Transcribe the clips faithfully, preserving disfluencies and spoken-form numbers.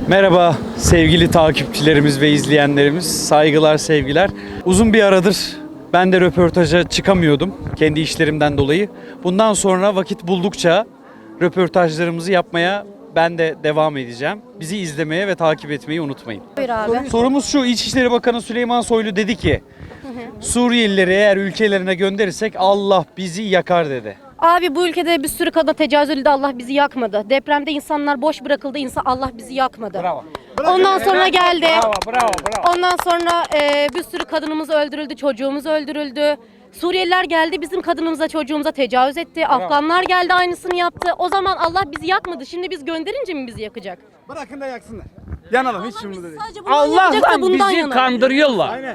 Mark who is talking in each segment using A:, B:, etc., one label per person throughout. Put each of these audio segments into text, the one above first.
A: Merhaba sevgili takipçilerimiz ve izleyenlerimiz. Saygılar, sevgiler. Uzun bir aradır ben de röportaja çıkamıyordum kendi işlerimden dolayı. Bundan sonra vakit buldukça röportajlarımızı yapmaya ben de devam edeceğim. Bizi izlemeye ve takip etmeyi unutmayın.
B: Buyur abi.
A: Sorumuz şu: İçişleri Bakanı Süleyman Soylu dedi ki Suriyelileri eğer ülkelerine gönderirsek Allah bizi yakar dedi.
B: Abi bu ülkede bir sürü kadına tecavüz edildi, Allah bizi yakmadı. Depremde insanlar boş bırakıldı, insan Allah bizi yakmadı.
A: Bravo.
B: Ondan sonra geldi.
A: Bravo, bravo, bravo.
B: Ondan sonra e, bir sürü kadınımız öldürüldü, çocuğumuz öldürüldü. Suriyeliler geldi, bizim kadınımıza, çocuğumuza tecavüz etti. Afganlar geldi, aynısını yaptı. O zaman Allah bizi yakmadı. Şimdi biz gönderince mi bizi yakacak?
C: Bırakın da yaksınlar. Yanalım hiç şimdi değil.
B: Sadece bundan yakacak da
D: Allah'tan
B: bundan
D: bizi
B: yanalım.
D: kandırıyorlar.
C: Aynen.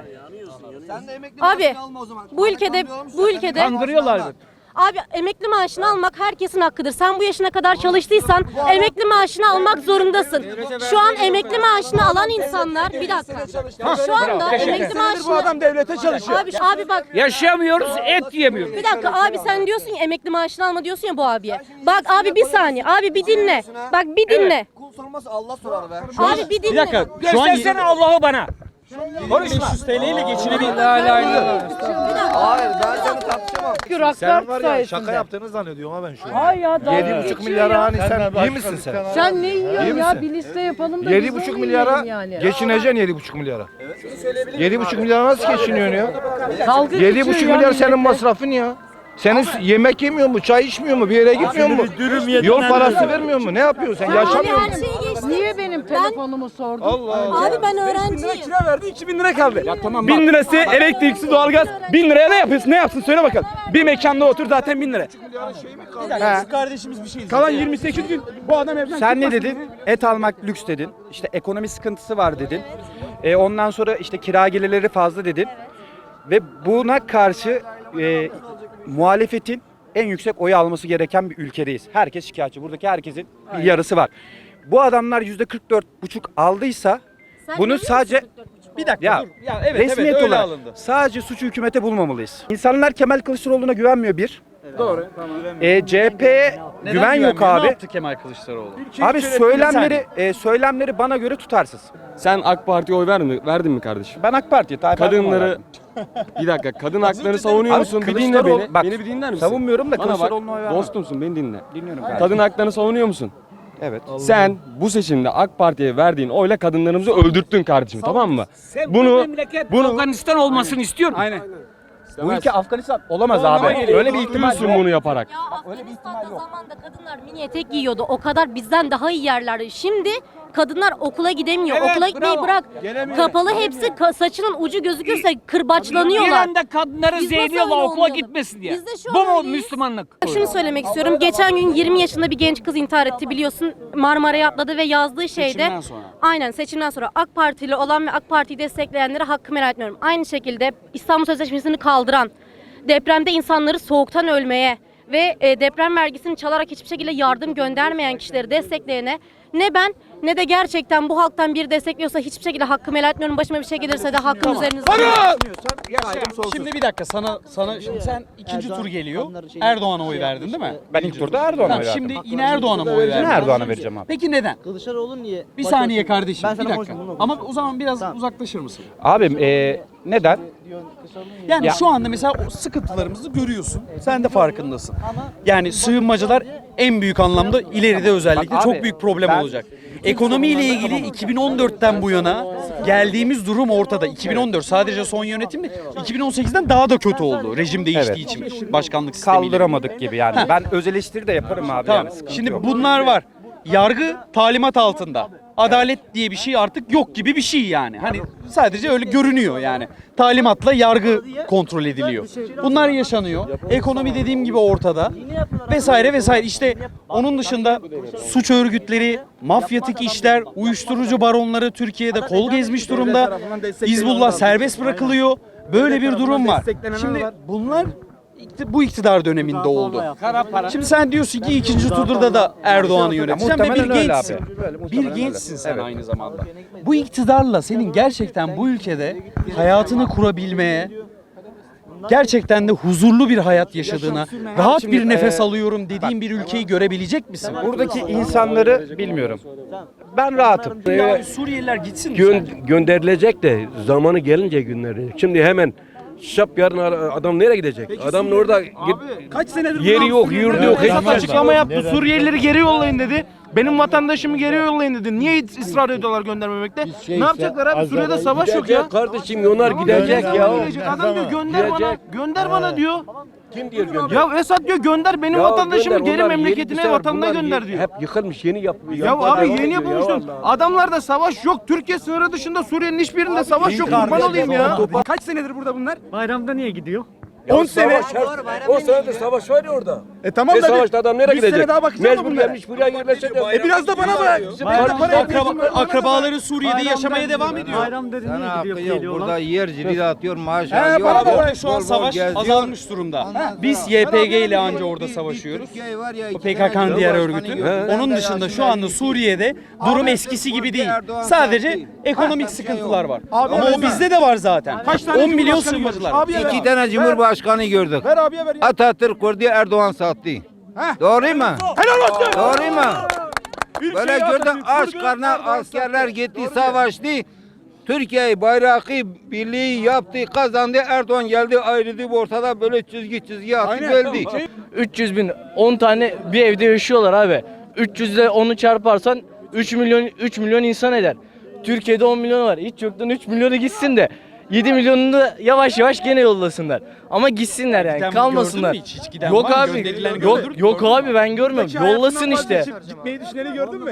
B: Abi bu ülkede bu ülkede
D: Kandırıyorlar.
B: Abi emekli maaşını almak herkesin hakkıdır. Sen bu yaşına kadar çalıştıysan emekli maaşını almak zorundasın. Şu an emekli maaşını alan insanlar bir dakika. Şu anda emekli
C: Bu
B: maaşını
C: adam devlete çalışıyor.
B: Abi abi bak
D: Yaşayamıyoruz, et yiyemiyoruz.
B: bir dakika abi sen diyorsun ya emekli maaşını alma diyorsun ya bu abiye. Bak abi bir saniye abi bir dinle. Bak bir dinle.
E: Kul sormaz Allah sorar be.
B: Abi bir
A: Bir
B: dinle.
A: dakika. Şu an
D: Göstersene Allah'ı bana.
A: beş yüz T L ile geçinebilir.
E: Hayır ben seni tartışamam.
F: Sen var ya şaka
G: yaptığını zannediyorum ha ben şu an.
F: Hay ya dalga
G: Yedi buçuk
F: geçiyor
G: milyara
F: ya.
G: hani sen iyi misin sen?
F: Sen ne yiyorsun
G: İyi
F: ya?
G: misin?
F: Bir liste yapalım da
G: Yedi
F: biz
G: buçuk
F: onu
G: milyara
F: yiyelim yani.
G: geçineceksin yedi buçuk milyara. Yedi buçuk milyara nasıl geçiniyorsun ya?
F: Dalga
G: Yedi
F: geçiyor
G: buçuk
F: ya
G: milyar senin
F: millete.
G: masrafın ya. Senin yemek yemiyor mu, çay içmiyor mu, bir yere gitmiyor mu? Yol parası vermiyor mu? Ne yapıyorsun sen?
B: Abi
G: Yaşamıyor
B: her
G: musun?
B: şeyi geçti.
F: Niye benim telefonumu sordun?
B: Abi ben öğrenciyim.
C: Kira verdi iki bin lira kaldı.
A: Ya tamam,
C: bin
A: bak.
C: lirası elektriksiz doğalgaz. bin liraya ne yapıyorsun? Ne yapsın söyle bakalım. Bir mekanda otur zaten bin lira.
A: Şu kardeşimiz bir şey
C: Kalan yirmi sekiz gün bu adam evden
H: Sen ne
C: çıkmasın
H: dedin?
C: dedi.
H: Et almak lüks dedin. İşte ekonomi sıkıntısı var dedin. E, ondan sonra işte kira gelirleri fazla dedin. Ve buna karşı e, muhalefetin en yüksek oyu alması gereken bir ülkedeyiz. Herkes şikayetçi. Buradaki herkesin bir yarısı var. Bu adamlar yüzde kırk dört buçuk aldıysa
B: Sen
H: bunu
B: görüyor musun
H: sadece
B: kırk dört buçuk?
A: Bir dakika
H: ya,
A: dur. Ya evet
H: resmiyet
A: evet öyle
H: olarak
A: alındı.
H: sadece suçu hükümete bulmamalıyız. İnsanlar Kemal Kılıçdaroğlu'na güvenmiyor bir.
C: Doğru.
H: E, C H P'ye
A: Neden
H: güven yok
A: güvenmiyor? Ne
H: abi.
A: yaptı Kemal Kılıçdaroğlu?
H: Abi söylemleri e, söylemleri bana göre tutarsız.
I: Sen AK Parti'ye oy verdin mi, verdin mi kardeşim?
H: Ben AK Parti'ye Tayyip Erdoğan'a
I: Kadınları
H: verdim.
I: bir dakika, kadın haklarını savunuyor
H: Abi
I: musun? Bir dinle
H: Kılıçdaroğlu-
I: beni.
H: bak,
I: beni bir dinler misin?
H: savunmuyorum da
I: Bana bak,
H: Kılıçdaroğlu'na oy vermem.
I: dostumsun, beni dinle.
H: Dinliyorum kardeşim.
I: Kadın haklarını savunuyor musun?
H: Evet.
I: Sen bu seçimde AK Parti'ye verdiğin oyla kadınlarımızı öldürttün kardeşim, tamam mı? Bunu
D: memleket
I: bunu
D: Afganistan olmasını istiyorum.
A: Aynen.
H: Bu ülke Afganistan olamaz abi. Öyle bir ihtimal
I: diyorsun
H: yok.
I: bunu yaparak.
B: Ya Afganistan'da zamanda kadınlar mini etek giyiyordu. O kadar bizden daha iyi yerlerde. Şimdi kadınlar okula gidemiyor.
D: Evet,
B: okula gitmeyi
D: bravo.
B: bırak. Kapalı hepsi ka- saçının ucu gözükürse kırbaçlanıyorlar.
D: İran'da kadınları
B: Biz nasıl
D: zehirliyorlar
B: öyle
D: okula
B: olmayalım?
D: gitmesin diye.
B: Biz de şu
D: Bu
B: an
D: mu
B: öyleyiz.
D: Müslümanlık?
B: Şunu söylemek istiyorum. Geçen gün yirmi yaşında bir genç kız intihar etti biliyorsun. Marmara'ya atladı ve yazdığı şeyde
A: Seçimden sonra.
B: aynen seçimden sonra AK Partili olan ve AK Parti'yi destekleyenlere hakkımı helal etmiyorum. Aynı şekilde İstanbul Sözleşmesi'ni kaldıran, depremde insanları soğuktan ölmeye ve e, deprem vergisini çalarak hiçbir şekilde yardım göndermeyen kişileri destekleyene ne ben ne de gerçekten bu halktan biri destekliyorsa hiçbir şekilde hakkımı helal etmiyorum. Başıma bir şey gelirse de hakkım üzerinizde.
A: Şimdi bir dakika sana sana şimdi sen ikinci tur geliyor. Erdoğan'a oy verdin değil mi?
H: Ben ilk turda Erdoğan'a
A: Tamam,
H: oy verdim.
A: şimdi yine Erdoğan'a mı oy verdin?
H: Yine Erdoğan'a vereceğim abi.
A: Peki neden?
E: Kılıçdaroğlu niye?
A: Bir saniye kardeşim.
E: Ben sana
A: bir dakika.
E: konuşayım, bunu
A: Ama o zaman biraz uzaklaşır mısın?
H: Abim e, neden?
A: Yani
H: Ya-
A: şu anda mesela o sıkıntılarımızı görüyorsun. Sen de farkındasın. Yani sığınmacılar en büyük anlamda ileride özellikle
H: Bak abi,
A: çok büyük problem
H: ben-
A: olacak. Ekonomiyle ilgili iki bin on dörtten bu yana geldiğimiz durum ortada. iki bin on dört sadece son yönetim değil, iki bin on sekizden daha da kötü oldu rejim değiştiği için başkanlık sistemiyle.
H: Kaldıramadık gibi yani. Ben öz eleştiri de yaparım abi.
A: Tamam.
H: Yani, sıkıntı
A: Şimdi
H: yok.
A: bunlar var. Yargı talimat altında. Adalet diye bir şey artık yok gibi bir şey yani. Hani sadece öyle görünüyor yani. Talimatla yargı kontrol ediliyor. Bunlar yaşanıyor. Ekonomi dediğim gibi ortada. Vesaire vesaire. İşte onun dışında suç örgütleri, mafyatik işler, uyuşturucu baronları Türkiye'de kol gezmiş durumda. Hizbullah serbest bırakılıyor. Böyle bir durum var. Şimdi bunlar ikti- bu iktidar döneminde oldu. Şimdi sen diyorsun ki ikinci turda da Erdoğan'ı yöneteceğim ve bir
H: muhtemelen öyle
A: gençsin.
H: abi. Böyle,
A: Bir
H: muhtemelen
A: gençsin
H: öyle.
A: sen
H: Evet.
A: aynı zamanda. Bu iktidarla senin gerçekten bu ülkede hayatını kurabilmeye gerçekten de huzurlu bir hayat yaşadığına, rahat bir nefes alıyorum dediğin bir ülkeyi görebilecek misin?
G: Buradaki insanları bilmiyorum. Ben rahatım.
A: Ya Suriyeliler gitsin mi
J: Gö-
A: sence?
J: gönderilecek de zamanı gelince günleri. Şimdi hemen şap yarın adam nereye gidecek? Adam orada git,
C: Kaç senedir
J: yeri yok, yurdu yok.
C: Esad
J: hiçbir şey
C: açıklama
J: yok.
C: yaptı. Suriyelileri geri yollayın dedi. Benim vatandaşımı geri yollayın dedi. Niye ısrar ediyorlar göndermemekte? Ne yapacaklar abi? Suriye'de savaş yok ya.
J: Gidecek kardeşim, onlar gidecek
C: Adam
J: ya.
C: gidecek. Adam diyor gönder bana.
J: Gidecek.
C: Gönder bana diyor.
J: Kim diyor gönder?
C: Ya Esad diyor gönder benim
J: Ya
C: vatandaşımı
J: gönder,
C: geri
J: onlar yeni
C: memleketine,
J: düşer,
C: vatanına
J: bunlar
C: gönder
J: ye-
C: diyor.
J: Hep yıkılmış, yeni yap.
C: Ya abi yeni yapılmıştır. Adamlarda savaş yok. Türkiye sınırı dışında Suriye'nin hiçbirinde savaş yok. Kurban olayım ya.
H: Kaç senedir burada bunlar?
D: Bayramda niye gidiyor?
C: on sene.
J: O sırada savaş var ya orada.
C: E tamam
J: E
C: da
J: savaşta adam nereye
C: bir sene
J: gidecek?
C: daha bakacağız mı
J: Mecbur
C: bunlara?
J: gelmiş buraya yerleşecek.
C: E biraz da bana bırak.
A: Akraba, akrabaları Suriye'de yaşamaya devam ediyor.
D: Bayramda niye gidiyor geliyorlar?
G: Burada yer cirit atıyor, maaş
C: He,
G: alıyor.
C: bana bak.
A: Orada şu an savaş azalmış durumda. Biz Y P G ile anca orada savaşıyoruz. O P K K'nın diğer örgütü. Onun dışında şu anda Suriye'de durum eskisi gibi değil. Sadece ekonomik sıkıntılar var. Ama o bizde de var zaten.
C: Kaç tane
A: on milyon
C: Cumhurbaşkanı
A: sığınmacılar.
C: gördün? Abiye ver.
G: İki tane cumhurbaşkanı gördük.
C: Ver abiye ver ya.
G: Atatürk kurdu, Erdoğan sattı. Doğru mu?
C: Helal olsun.
G: Doğru mu?
C: Ülkeyi
G: Böyle gördüm
C: Atatürk
G: aç
C: kurdu,
G: karnına
C: Erdoğan
G: askerler
C: sattı.
G: gitti, savaştı. Türkiye bayrağı birliği yaptı, kazandı. Erdoğan geldi, ayrıldı ortada, böyle çizgi çizgi attı, geldi.
E: üç yüz bin on tane bir evde yaşıyorlar abi. üç yüz ile onu çarparsan üç milyon üç milyon insan eder. Türkiye'de on milyon var. Hiç yoktan üç milyonu gitsin de yedi milyonunu da yavaş yavaş gene yollasınlar. Ama gitsinler yani,
A: Giden
E: kalmasınlar.
A: gördün mü hiç? Hiç giden
E: Yok
A: var mı?
E: abi.
A: Gönderilen
E: Yok
A: gördün mü?
E: yok abi ben görmüyorum. Yollasın işte.
C: Gitmeyi düşüneni gördün mü?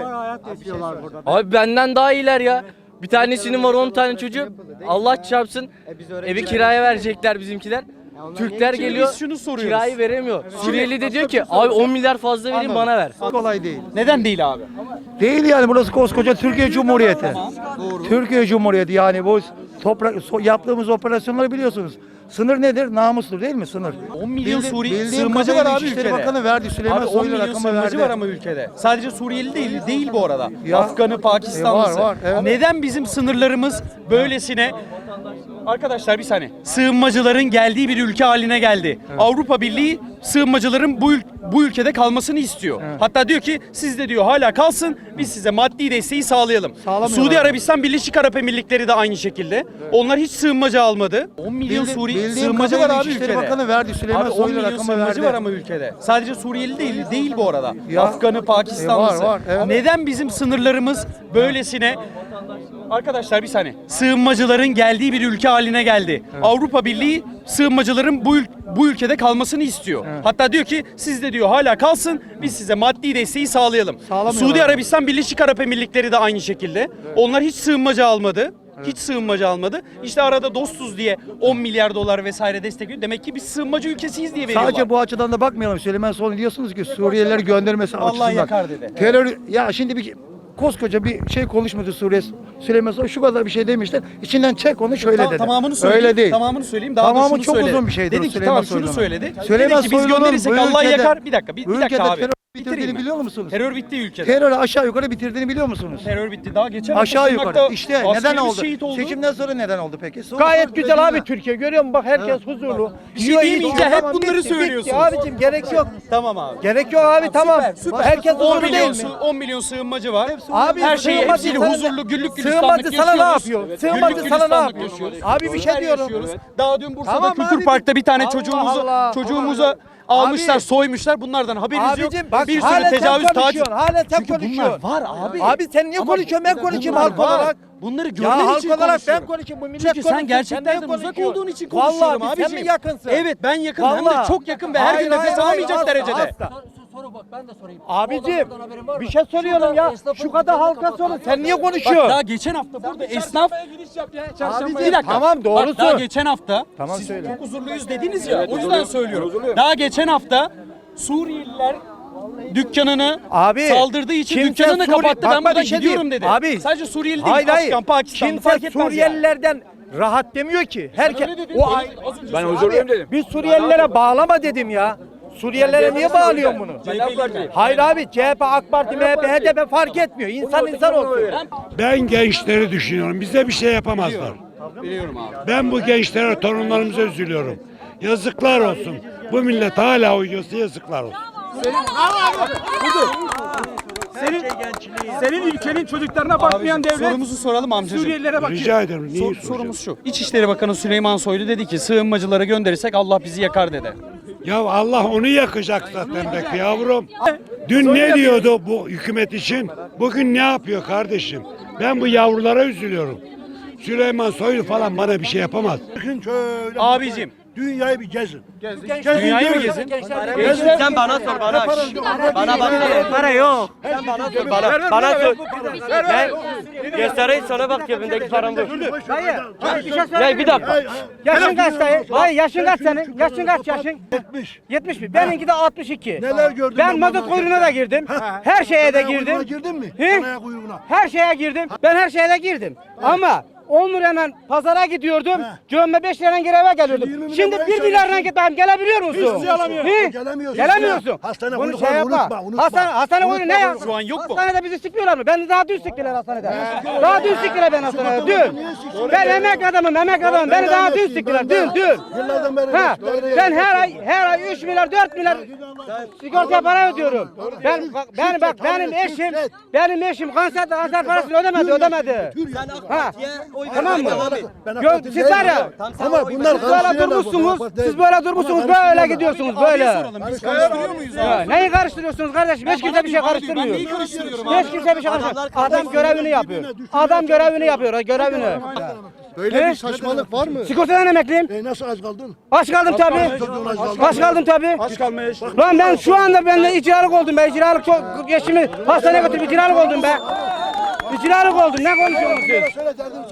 E: Abi benden daha iyiler ya. Bir tanesinin var on tane çocuğu. Allah çarpsın. Evi kiraya verecekler bizimkiler. Türkler
A: Şimdi
E: geliyor.
A: biz şunu soruyoruz.
E: Kirayı veremiyor. Suriyeli de diyor ki abi on milyar fazla verin bana ver.
K: Kolay değil.
A: Neden değil abi?
K: Değil yani, burası koskoca Türkiye Cumhuriyeti. Türkiye Cumhuriyeti yani bu toprak so- yaptığımız operasyonları biliyorsunuz. Sınır nedir? Namustur değil mi sınır?
A: on milyon
K: Bildi-
A: Suri
K: bildiğim
A: sığınmacı var
K: kadarıyla
A: abi
K: İçişleri
A: ülkede.
K: Bakanı verdi. Süleyman
A: Abi on
K: Soylu
A: milyon
K: rakamı
A: sığınmacı
K: verdi.
A: var ama ülkede. Sadece Suriyeli değil, değil bu arada.
K: Ya.
A: Afganı, Pakistanlısı.
K: E var, var, evet.
A: Neden bizim sınırlarımız böylesine... Arkadaşlar bir saniye. Sığınmacıların geldiği bir ülke haline geldi. Avrupa Birliği sığınmacıların bu ül- bu ülkede kalmasını istiyor. Hatta diyor ki siz de diyor hala kalsın, biz size maddi desteği sağlayalım.
K: Sağlamıyorlar.
A: Suudi Arabistan, Birleşik Arap Emirlikleri de aynı şekilde. Onlar hiç sığınmacı almadı. on milyon
K: Bildi-
A: Suri
K: bildiğim
A: sığınmacı var
K: kadarıyla
A: abi
K: İçişleri
A: ülkede.
K: Bakanı verdi. Süleyman
A: Abi on
K: Soylu
A: milyon
K: rakamı
A: sığınmacı
K: verdi.
A: var ama ülkede. Sadece Suriyeli değil, değil bu arada.
K: Ya.
A: Afganı, Pakistanlısı.
K: E var, var, evet.
A: Neden bizim sınırlarımız böylesine... Arkadaşlar bir saniye. Sığınmacıların geldiği bir ülke haline geldi. Avrupa Birliği sığınmacıların bu ül- bu ülkede kalmasını istiyor. Hatta diyor ki siz de diyor hala kalsın, biz size maddi desteği sağlayalım.
K: Sağlamıyorlar.
A: Suudi Arabistan, Birleşik Arap Emirlikleri de aynı şekilde. Onlar hiç sığınmacı almadı. Hiç sığınmacı almadı. İşte arada dostuz diye on milyar dolar vesaire destekliyor. Demek ki biz sığınmacı ülkesiyiz diye veriyorlar.
K: Sadece bu açıdan da bakmayalım. Süleyman Soylu diyorsunuz ki Suriyelileri göndermesi
A: Allah
K: açısından.
A: yakar dedi.
K: Terör, ya şimdi bir koskoca bir şey konuşmadı Suriye. Süleyman Soylu şu kadar bir şey demişler. İçinden çek onu şöyle
A: Ta-
K: dedi.
A: Tamamını söyleyeyim.
K: Öyle değil.
A: Tamamını söyleyeyim. Daha
K: Tamamı
A: da şunu
K: çok
A: söyledi.
K: uzun bir şeydir
A: Dedi ki
K: Süleyman
A: tamam şunu
K: Soylu'nun.
A: söyledi.
K: Süleyman
A: Dedi ki biz
K: Soylu'nun
A: gönderirsek
K: bu
A: Allah
K: ülkede-
A: yakar. Bir dakika, bir, bir
K: ülkede
A: dakika abi.
K: terör
A: Bitireyim
K: bitirdiğini
A: mi?
K: biliyor musunuz?
A: Terör bitti ülkede.
K: Terörü aşağı yukarı bitirdiğini biliyor musunuz?
A: Terör bitti. Daha geçen hafta
K: Aşağı yukarı.
A: Şırnak'ta
K: İşte neden
A: askerimiz
K: oldu?
A: şehit oldu.
K: Seçimden sonra neden oldu peki? Sonra
C: Gayet
K: sonra
C: güzel abi
K: dediler.
C: Türkiye. Görüyor musun? Bak herkes huzurlu.
A: Bir şey
C: Yiyor,
A: diyemeyince
C: içiyor.
A: hep
C: Tamam,
A: bunları
C: bitti,
A: söylüyorsunuz.
C: bitti abicim gerek yok.
A: Tamam abi.
C: Gerek yok abi tamam.
A: Süper.
C: Herkes
A: on
C: huzurlu
A: milyon,
C: değil mi?
A: sı- on milyon sığınmacı var.
C: Abi
A: her şeyi
C: sığınmacı
A: hepsiyle
C: sana-
A: huzurlu güllük gülistanlık
C: Sığınmacı sana ne
A: yaşıyoruz.
C: yapıyor? Sığınmacı
A: Güllük
C: sana ne
A: gülistanlık
C: yapıyor?
A: yaşıyoruz.
C: Abi bir şey
A: Her
C: diyorum.
A: yaşıyoruz. Daha dün Bursa'da
C: Tamam
A: Kültür
C: abicim.
A: Park'ta bir tane
C: Allah
A: çocuğumuzu
C: Allah.
A: çocuğumuza almışlar,
C: Abi.
A: soymuşlar. Bunlardan haberiniz yok.
C: Abicim bak
A: Bir
C: hala
A: sürü
C: sen
A: tecavüz, taciz.
C: konuşuyorsun. Hala sen
A: Çünkü bunlar
C: konuşuyorsun.
A: var abi.
C: Abi sen niye
A: Ama
C: konuşuyorsun? Ben konuşayım
A: bunlar
C: halk
A: var.
C: olarak.
A: Bunları
C: Ya
A: görmen
C: halk
A: için
C: olarak ben
A: konuşuyorum.
C: konuşayım. Bu millet
A: Çünkü sen
C: konuşsun.
A: gerçeklerden
C: niye
A: uzak
C: konuşuyorsun?
A: olduğun için konuşuyorum
C: Vallahi biz
A: abiciğim.
C: sen mi yakınsın?
A: Evet ben yakınım hem de
C: Vallahi.
A: çok yakın ve her
C: Hayır,
A: gün nefes
C: hayır,
A: alamayacak
C: hayır,
A: derecede.
C: asla. Abicim bir şey soruyorum ya. Şu kadar halka sorun. Sen niye
A: Bak
C: konuşuyorsun?
A: daha geçen hafta burada esnaf
C: Abicim,
A: bir dakika.
C: tamam doğrusu.
A: Bak daha geçen hafta
K: Tamam,
A: siz
K: söyle.
A: çok huzurluyuz dediniz ya. O yüzden söylüyorum. Daha geçen hafta Suriyeliler dükkanını
C: Abi,
A: saldırdığı için
C: kimse
A: dükkanını
C: Suri-
A: kapattı.
C: Bak,
A: Ben
C: bak,
A: buradan
C: bir şey
A: gidiyorum
C: diyeyim.
A: dedi.
C: Abi,
A: Sadece Suriyeli değil,
C: Hayır hayır.
A: Afgan, Pakistanlı
C: Kimse
A: fark etmez yani.
C: Suriyelilerden rahat demiyor ki. Herkes o ay-
J: Ben huzurluyum dedim.
C: Biz Suriyelilere bağlama dedim ya. Suriyelilere niye bağlıyorsun bunu? Hayır abi C H P, AK Parti, M H P, H D P fark etmiyor. İnsan insan olsun.
L: Ben gençleri düşünüyorum. Bize bir şey yapamazlar.
A: Biliyorum abi.
L: Ben bu gençlere, torunlarımıza üzülüyorum. Yazıklar olsun. Bu millet hala uyuyorsa yazıklar olsun.
H: Senin, senin ülkenin çocuklarına bakmayan devlet
A: Sorumuzu soralım amcacığım.
H: Suriyelilere bakıyor.
L: Rica ederim. Neyi
A: Sor-
L: soracağım?
A: sorumuz şu. İçişleri Bakanı Süleyman Soylu dedi ki sığınmacıları gönderirsek Allah bizi yakar dedi.
L: Ya Allah onu yakacak zaten be yavrum. Dün ne diyordu bu hükümet için? Bugün ne yapıyor kardeşim? Ben bu yavrulara üzülüyorum. Süleyman Soylu falan bana bir şey yapamaz.
A: Abicim
L: Dünyayı bir gezin.
A: dünyayı mı gezin?
E: Sen bana sor bana. Bana bak. Para yok. Sen bana sor bana. Bana sor. Ben göstereyim sana bak cebindeki param bu.
C: Dayı, dayı bir şey söyle.
E: Ya bir dakika.
C: Yaşın kaç dayı? Dayı yaşın kaç senin? Yaşın kaç yaşın? yetmiş. yetmiş mi? Benimki de altmış iki.
L: Neler gördün
C: Ben
L: ben
C: mazot
L: bu
C: kuyruğuna da girdim. Her şeye de girdim.
L: Girdin mi?
C: He? Her şeye girdim. Ben her şeye de girdim. Ama on lirayla pazara gidiyordum. Gömme beş lirayla geri eve geliyordum. Şimdi bir milyarla gitmem gelebiliyor musun?
L: Hiçbir şey alamıyorsun.
C: He?
L: Gelemiyorsun.
C: Gelemiyorsun.
L: Hastane
C: Bunu
L: kuyrukları
C: şey yapma.
L: unutma, unutma.
C: Hastane, hastane kuyruğu ne ya?
A: Şu an yok mu?
C: Hastanede bizi sıkmıyorlar mı? Ben daha dün sıktılar hastanede. Daha dün sıktılar ben hastanede. Dün. Ben emekli adamım, emekli adamım. Beni daha dün sıktılar. Dün, dün.
L: Yıllardan beri
C: Ha, ben her ay her ay üç milyar dört milyar sigorta para ödüyorum. Ben bak ben bak benim eşim benim eşim kanser kanser parasını ödemedi, ödemedi. Ha. Tamam mı? Gö- Siz var ya.
L: Ama bunlar
C: Siz böyle durmuşsunuz. Siz böyle durmuşsunuz. Böyle gidiyorsunuz böyle.
A: Biz karıştırıyor muyuz
C: Ya,
A: abi?
C: neyi karıştırıyorsunuz kardeşim? Hiç kimse bir şey karıştırmıyor.
A: Ben neyi karıştırıyorum abi?
C: Hiç kimse bir şey karıştırmıyor. Adam görevini yapıyor. Adam görevini yapıyor, görevini.
L: Böyle
C: He?
L: bir saçmalık var mı?
C: Sigortadan emekliyim.
L: E nasıl aç kaldın?
C: Aç kaldım tabii. Aç kaldım tabii.
H: Aç kalmaya iş.
C: Lan ben şu anda ben de icralık oldum be. İcralık çok geçimi hastaneye götürüp icralık oldum be. İcralık oldum. Ne konuşuyorsunuz siz?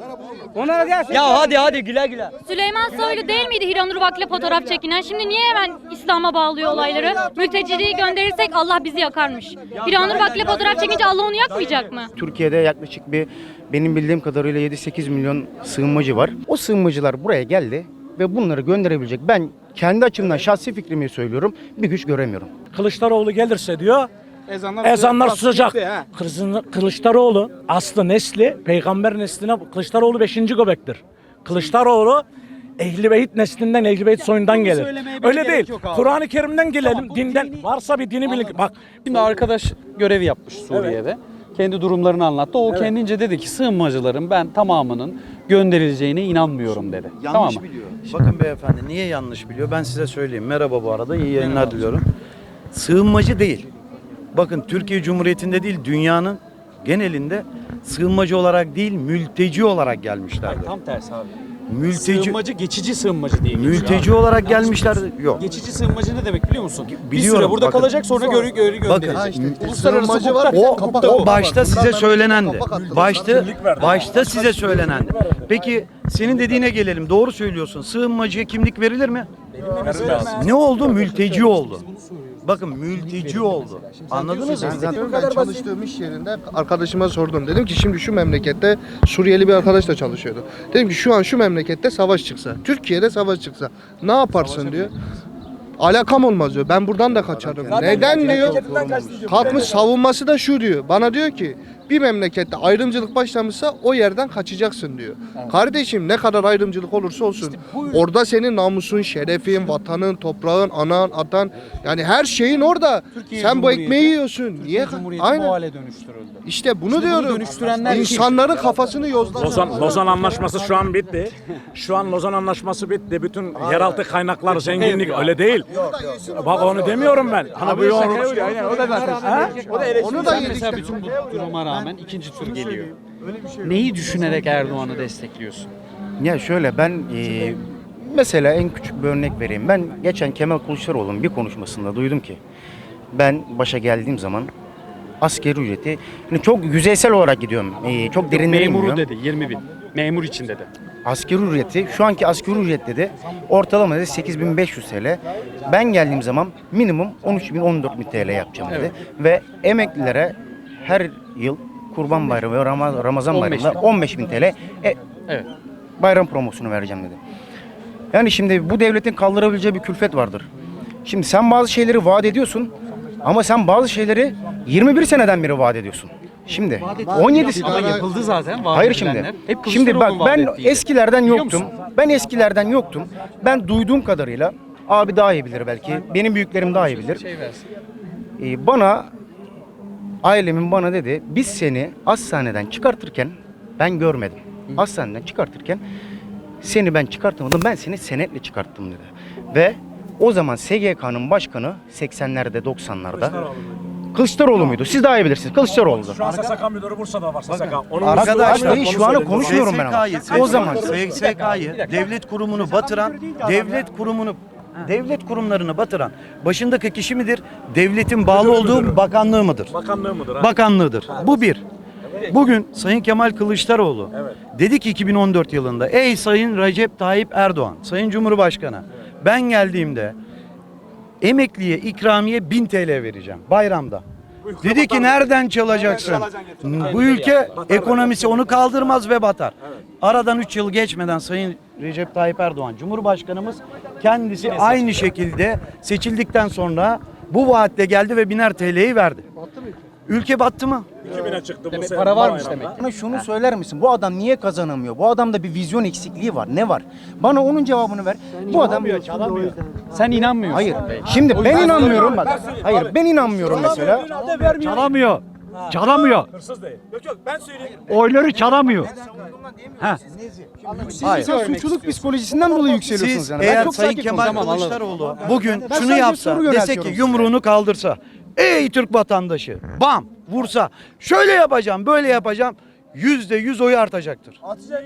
C: Onlara gelsin.
E: Ya hadi hadi güle güle.
B: Süleyman Soylu değil miydi Hiranur Vak'la fotoğraf çekinen? Şimdi niye hemen İslam'a bağlıyor olayları? Mülteciliği gönderirsek Allah bizi yakarmış. Hiranur Vak'la fotoğraf çekince Allah onu yakmayacak mı?
K: Türkiye'de yaklaşık bir benim bildiğim kadarıyla yedi sekiz milyon sığınmacı var. O sığınmacılar buraya geldi ve bunları gönderebilecek ben kendi açımdan şahsi fikrimi söylüyorum bir güç göremiyorum.
D: Kılıçdaroğlu gelirse diyor
H: Ezanlar,
D: ezanlar susacak.
H: Bitti, ha.
D: Kılıç- Kılıçdaroğlu aslı nesli peygamber nesline Kılıçdaroğlu beşinci göbektir. Kılıçdaroğlu Ehl-i Beyt neslinden, Ehl-i Beyt soyundan gelir.
A: söylemeye bile
D: Öyle
A: gerek
D: değil.
A: yok abi.
D: Kur'an-ı Kerim'den gelelim.
A: Tamam, bu
D: Dinden
A: dini-
D: varsa bir dini bilin. Bak
A: Şimdi arkadaş görev yapmış Suriye'de. Kendi durumlarını anlattı. O kendince dedi ki sığınmacıların ben tamamının gönderileceğine inanmıyorum dedi.
M: Yanlış
A: tamam mı?
M: biliyor. Bakın beyefendi niye yanlış biliyor? Ben size söyleyeyim. Merhaba bu arada. İyi yayınlar diliyorum. Sığınmacı değil. Bakın Türkiye Cumhuriyeti'nde değil dünyanın genelinde sığınmacı olarak değil mülteci olarak gelmişlerdir.
A: Tam tersi abi.
M: Mülteci
A: Sığınmacı, geçici sığınmacı diye geçiyor
M: mülteci
A: abi.
M: olarak
A: Yanlış
M: gelmişler.
A: biliyorsun.
M: Yok.
A: Geçici sığınmacı ne demek biliyor musun? bir
M: Biliyorum,
A: süre burada
M: bakın.
A: kalacak sonra geri geri gönderecek.
M: Bakın,
A: Uluslararası
L: sığınmacı
A: hukukta
M: O,
A: hukukta
M: o
A: bu.
M: başta size söylenendi. Başta başta size söylenendi. Peki senin dediğine gelelim. Doğru söylüyorsun. Sığınmacıya kimlik verilir mi? Ne oldu? Mülteci oldu. Bakın mülteci oldu. Anladınız mı?
L: Ben çalıştığım iş yerinde arkadaşıma sordum. Dedim ki şimdi şu memlekette Suriyeli bir arkadaş da çalışıyordu. Dedim ki şu an şu memlekette savaş çıksa, Türkiye'de savaş çıksa ne yaparsın diyor. Alakam olmaz diyor. Ben buradan da kaçarım. Neden diyor? Kalkmış savunması da şu diyor. Bana diyor ki bir memlekette ayrımcılık başlamışsa o yerden kaçacaksın diyor. Kardeşim ne kadar ayrımcılık olursa olsun orada senin namusun, şerefin, vatanın, toprağın, anan, atan yani her şeyin orada.
A: Türkiye
L: Sen bu
A: Cumhuriyeti-
L: ekmeği yiyorsun.
A: Türkiye
L: Niye?
A: Cumhuriyeti bu
L: Aynen.
A: hale dönüştürüldü.
L: İşte bunu
A: Şimdi bunu
L: diyorum.
A: dönüştürenler kim?
L: İnsanların kafasını yozlar.
D: Lozan, Lozan Anlaşması şu an bitti. Şu an Lozan Anlaşması bitti. Bütün yeraltı kaynaklar, zenginlik öyle değil. Bak onu demiyorum ben. Hani bu yorum.
H: O da zaten.
D: Ha?
H: O da eleştiri.
A: Onu da mesela bütün bu duruma rağmen ikinci tur geliyor. Neyi düşünerek Erdoğan'ı destekliyorsun?
K: Ya şöyle ben e, mesela en küçük bir örnek vereyim. Ben geçen Kemal Kılıçdaroğlu'nun bir konuşmasında duydum ki ben başa geldiğim zaman asgari ücreti yani çok yüzeysel olarak gidiyorum. E, çok derinlere
A: Memuru
K: inmiyorum.
A: dedi yirmi bin. Memur için dedi.
K: Asgari ücreti şu anki asgari ücret dedi ortalama dedi sekiz bin beş yüz T L. Ben geldiğim zaman minimum on üç bin on dört bin T L yapacağım dedi. Ve emeklilere her yıl Kurban Bayramı ve Ramaz- Ramazan
A: on beş bin.
K: Bayramı'nda on beş bin T L e,
A: Evet.
K: bayram promosyonu vereceğim dedi. Yani şimdi bu devletin kaldırabileceği bir külfet vardır. Şimdi sen bazı şeyleri vaat ediyorsun ama sen bazı şeyleri yirmi bir seneden beri vaat ediyorsun. Şimdi on yedi
A: Ama yapıldı zaten. vaat
K: Hayır
A: edilenler.
K: şimdi.
A: Hep
K: Şimdi bak
A: Kılıçdaroğlu'nun
K: ben
A: vaat ettiğiydi.
K: eskilerden
A: Biliyor
K: yoktum.
A: musun?
K: Ben eskilerden yoktum. Ben duyduğum kadarıyla abi daha iyi bilir belki. Benim büyüklerim daha iyi bilir.
A: Şey versin.
K: Ee, bana ailemin bana dedi biz seni hastaneden çıkartırken ben görmedim. Hastaneden çıkartırken seni ben çıkartamadım. Ben seni senetle çıkarttım dedi. Ve o zaman S G K'nın başkanı seksenlerde doksanlarda Kılıçdaroğlu muydu? Siz daha iyi bilirsiniz. Kılıçdaroğlu'du.
D: Şu an S S K müdürü Bursa'da var S S K. Onun
K: Arkadaşlar
D: müdürü-
K: şu an konuşmuyorum ben ama. O zaman
M: S S K'yı devlet kurumunu batıran, devlet kurumunu devlet kurumlarını batıran başındaki kişi midir? Devletin bağlı olduğu bakanlığı mıdır?
D: Bakanlığı mıdır? ha?
M: Bakanlığıdır. Bu bir. Bugün Sayın Kemal Kılıçdaroğlu dedi ki iki bin on dört yılında ey Sayın Recep Tayyip Erdoğan, Sayın Cumhurbaşkanı ben geldiğimde emekliye ikramiye bin T L vereceğim bayramda. Dedi ki nereden çalacaksın? Bu ülke ekonomisi onu kaldırmaz ve batar. Aradan üç yıl geçmeden Sayın Recep Tayyip Erdoğan Cumhurbaşkanımız kendisi aynı şekilde seçildikten sonra bu vaatle geldi ve biner T L'yi verdi. Ülke battı mı?
D: iki bine çıktı bu
A: Demek
D: sene
A: para varmış
D: bayramda.
A: demek.
K: bana şunu söyler misin? Bu adam niye kazanamıyor? Bu adamda bir vizyon eksikliği var. Ne var? Bana onun cevabını ver. Bu adam
A: Sen inanmıyorsun.
K: Hayır. Şimdi ben inanmıyorum bak. Hayır ben inanmıyorum mesela.
M: Çalamıyor. Çalamıyor.
D: Hırsız değil. Yok yok ben söyleyeyim.
M: Oyları çalamıyor.
K: Hayır. Suçluluk psikolojisinden dolayı yükseliyorsunuz
M: Siz
K: yani. Ben
M: eğer
K: çok
M: Sayın
K: sakinim.
M: Kemal
K: Tamam, anladım.
M: Kılıçdaroğlu bugün
K: Ben
M: şunu
K: sadece
M: yapsa,
K: soru
M: dese
K: yöneltiyorum
M: ki
K: size.
M: yumruğunu kaldırsa, ey Türk vatandaşı, bam vursa, şöyle yapacağım, böyle yapacağım, yüzde yüz oyu artacaktır.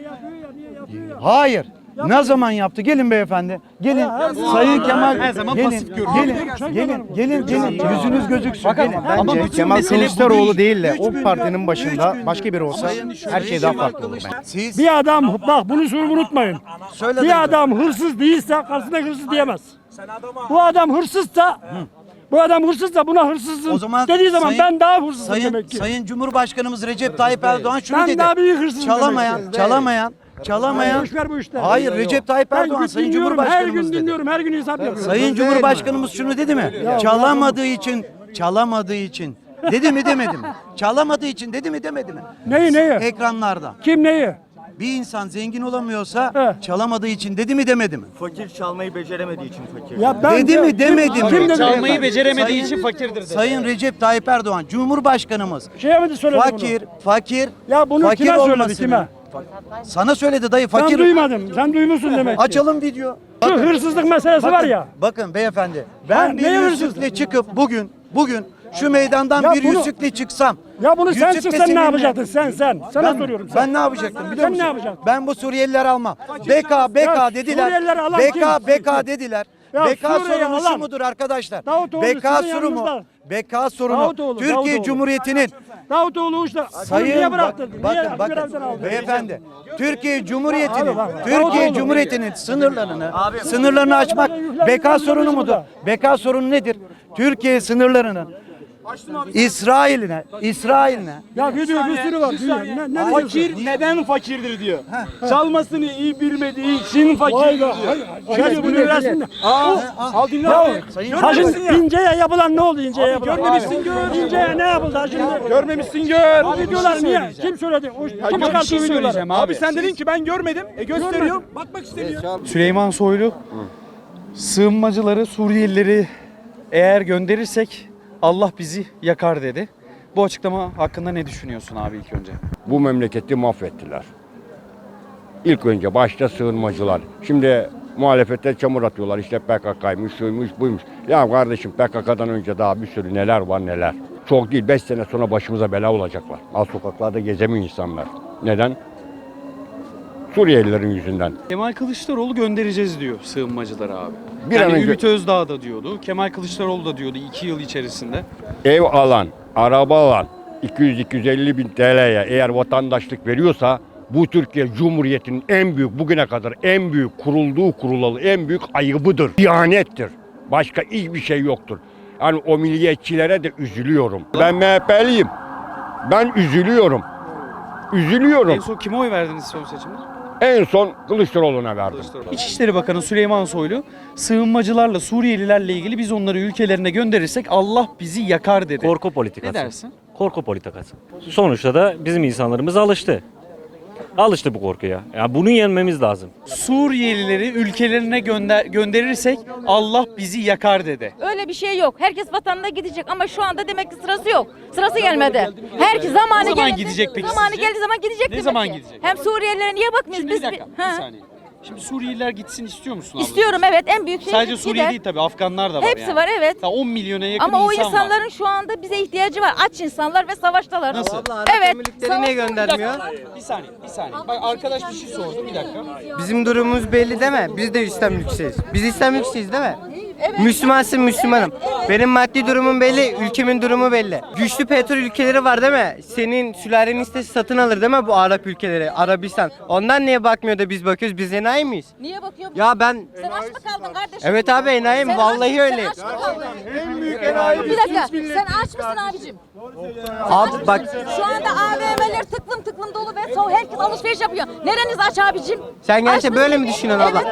M: Hayır. Ne zaman yaptı? Gelin beyefendi. Gelin. Sayın Kemal.
A: Her zaman
M: gelin,
A: pasif görüyor.
M: gelin, gelin, gelin, gelin, yüzünüz gözüksün. Gelin.
K: Bence
A: bütün
K: Kemal
A: mesele bu
K: Kılıçdaroğlu
A: değil.
K: değil de
M: Üç
K: o
M: gün-
K: partinin başında
M: üç
K: başka biri olsa her şey daha farklı olur bence.
M: Siz
N: Bir adam bak bunu şunu unutmayın.
M: söyle
N: Bir adam hırsız değilse karşısında hırsız diyemez. Bu adam hırsızsa bu adam hırsızsa buna hırsızsın
M: O zaman
N: dediği zaman
M: Sayın-
N: ben daha hırsızım
M: Sayın
N: demek ki.
M: Sayın Cumhurbaşkanımız Recep Tayyip Erdoğan şunu
N: Ben
M: dedi.
N: daha büyük hırsızım
M: Çalamayan,
N: demek ki.
M: çalamayan, çalamayan.
N: Boş ver bu işleri.
M: Hayır Recep Tayyip
N: Ben
M: Erdoğan
N: gün
M: Sayın
N: dinliyorum, her
M: Cumhurbaşkanımız
N: gün
M: dedi.
N: dinliyorum, her gün hesap yapıyorum.
M: Sayın Cumhurbaşkanımız şunu dedi mi? Çalamadığı için, çalamadığı için. Dedi mi demedi mi? Çalamadığı için dedi mi demedi mi?
N: Neyi neyi?
M: Ekranlarda.
N: Kim neyi?
M: Bir insan zengin olamıyorsa
N: He.
M: çalamadığı için dedi mi demedi mi?
C: Fakir çalmayı beceremediği için fakir.
N: Ya ben
M: Dedi mi demedi mi?
N: Kim dedi?
A: Çalmayı beceremediği
M: Sayın-
A: için fakirdir dedi.
M: Sayın Recep Tayyip Erdoğan Cumhurbaşkanımız
N: Şeye mi söyledi
M: fakir,
N: bunu?
M: fakir,
N: Ya bunu
M: fakir
N: kime söyledi
M: olmasını-
N: kime?
M: Sana söyledi dayı
N: Ben
M: fakir.
N: duymadım. Sen duymuşsun demek ki.
M: Açalım video.
N: Şu hırsızlık meselesi var ya.
M: Bakın beyefendi.
N: Ha,
M: Ben bir
N: ne
M: yüzükle
N: hırsızlık?
M: çıkıp bugün bugün şu meydandan
N: Ya
M: bir
N: bunu-
M: yüzükle çıksam.
N: Ya bunu sen
M: yüzükle
N: çıksan ne
M: seninle-
N: yapacaktın sen sen? Sana
M: Ben,
N: soruyorum sen.
M: ben ne yapacaktım biliyor
N: Sen ne
M: musun?
N: yapacaktın?
M: Ben bu Suriyelileri almam. B K B K
N: Ya
M: dediler.
N: Suriyelileri alan
M: B
N: kim?
M: K B K dediler.
N: Ya
M: B K
N: Suriye'yi
M: sorunu şu
N: alan-
M: mudur arkadaşlar?
N: Davutoğlu
M: B K
N: sizin
M: sorunu
N: yanınızda.
M: B K sorunu
N: Davutoğlu,
M: Türkiye
N: Davutoğlu.
M: Cumhuriyeti'nin
N: Davutoğlu uçta.
M: Sayın
N: niye
M: bak-
N: bıraktın?
M: bakın
N: niye
M: bakın
N: görevden aldın?
M: beyefendi Türkiye Cumhuriyeti'nin
N: Abi bak,
M: Türkiye
N: Davutoğlu.
M: Cumhuriyeti'nin sınırlarını sınırlarını açmak B K sorunu mudur? B K sorunu nedir? Türkiye sınırlarının İsrail'ine İsrail'ine
N: Ya video bir sürü var. Dünya. Ne, ne
C: Fakir neden fakirdir diyor. Çalmasını iyi bilmediği için fakirdir diyor.
N: Video bunu versin.
C: Al, al dinle abi.
N: Ha şimdi İnce'ye yapılan ne oldu İnce'ye yapılan?
C: görmemişsin, gör.
N: İnce'ye ne yapıldı ha şimdi?
C: Görmemişsin gör.
N: Bu videolar niye? Kim söyledi? O, kim
A: bir
N: çıkarttı
A: şey
N: o videoları?
A: söyleyeceğim abi.
C: Abi sen dedin ki ben görmedim. E gösteriyorum. Bakmak istemiyor.
A: Süleyman Soylu sığınmacıları, Suriyelileri eğer gönderirsek Allah bizi yakar dedi. Bu açıklama hakkında ne düşünüyorsun abi ilk önce?
J: Bu memleketi mahvettiler. İlk önce başta sığınmacılar. Şimdi muhalefete çamur atıyorlar. İşte P K K'ymış, şuymuş, buymuş. Ya kardeşim P K K'dan önce daha bir sürü neler var neler. Çok değil, beş sene sonra başımıza bela olacaklar. Al sokaklarda gezemiyor insanlar. Neden? Suriyelilerin yüzünden.
A: Kemal Kılıçdaroğlu göndereceğiz diyor sığınmacıları abi.
J: Bir
A: yani
J: an önce-
A: Ümit Özdağ da diyordu. Kemal Kılıçdaroğlu da diyordu iki yıl içerisinde.
J: Ev alan, araba alan iki yüz iki yüz elli bin T L'ye eğer vatandaşlık veriyorsa bu Türkiye Cumhuriyeti'nin en büyük bugüne kadar en büyük kurulduğu kurulalı en büyük ayıbıdır. İhanettir. Başka hiçbir şey yoktur. Yani o milliyetçilere de üzülüyorum. Ben M H P'liyim. Ben üzülüyorum. Üzülüyorum.
A: En son kime oy verdiniz son seçimde?
J: En son Kılıçdaroğlu'na verdim.
A: İçişleri Bakanı Süleyman Soylu sığınmacılarla Suriyelilerle ilgili biz onları ülkelerine gönderirsek Allah bizi yakar dedi.
C: Korku politikası.
A: Ne dersin?
O: Korku politikası. Sonuçta da bizim insanlarımız alıştı. Alıştı bu korkuya. Ya bunu yenmemiz lazım.
A: Suriyelileri ülkelerine gönder gönderirsek Allah bizi yakar dedi.
F: Öyle bir şey yok. Herkes vatanına gidecek ama şu anda demek ki sırası yok. Sırası gelmedi. Herkes zamanı
A: Ne zaman
F: geldi-
A: gidecek peki
F: Zamanı
A: sizce?
F: geldiği zaman gidecek
A: Ne
F: demek
A: zaman
F: ki.
A: gidecek?
F: Hem Suriyelilere niye bakmıyoruz
A: Şimdi
F: biz?
A: bir dakika,
F: Ha.
A: bir saniye. Şimdi Suriyeliler gitsin istiyor musun abla?
F: İstiyorum evet, en büyük şey
A: Sadece Suriye
F: gider.
A: değil tabii, Afganlar da var
F: Hepsi
A: yani.
F: var, evet.
A: Ta on milyona yakın
F: Ama o
A: insan var.
F: insanların şu anda bize ihtiyacı var. Aç insanlar ve savaştalar.
A: Nasıl?
F: Evet.
K: niye göndermiyor?
A: Bir saniye, bir saniye. Bak arkadaş bir şey sordu, bir dakika.
K: Bizim durumumuz belli değil mi? Biz de İslam ülkesiyiz. Biz İslam ülkesiyiz değil mi? Müslümansın, Müslümanım. Benim maddi durumum belli, ülkemin durumu belli. Güçlü petrol ülkeleri var değil mi? Senin sülalenin istesi satın alır değil mi bu Arap ülkeleri, Arabistan? Ondan niye bakmıyor da biz bakıyoruz? Biz enayi miyiz?
F: Niye bakıyor?
K: Ya ben...
F: Sen aç mı kaldın kardeşim?
K: Evet abi enayiyim,
F: Sen
K: vallahi
F: aç-
K: öyleyim.
F: Sen aç mı kaldın? Bir dakika, sen aç mısın abicim?
K: Abi bak...
F: Şu anda A V M'ler tıklım tıklım dolu ve so herkes alışveriş yapıyor. Nereniz aç abicim?
K: Sen
F: Aç
K: gerçekten
F: mısın?
K: böyle mi düşünüyorsun abla?
F: Evet.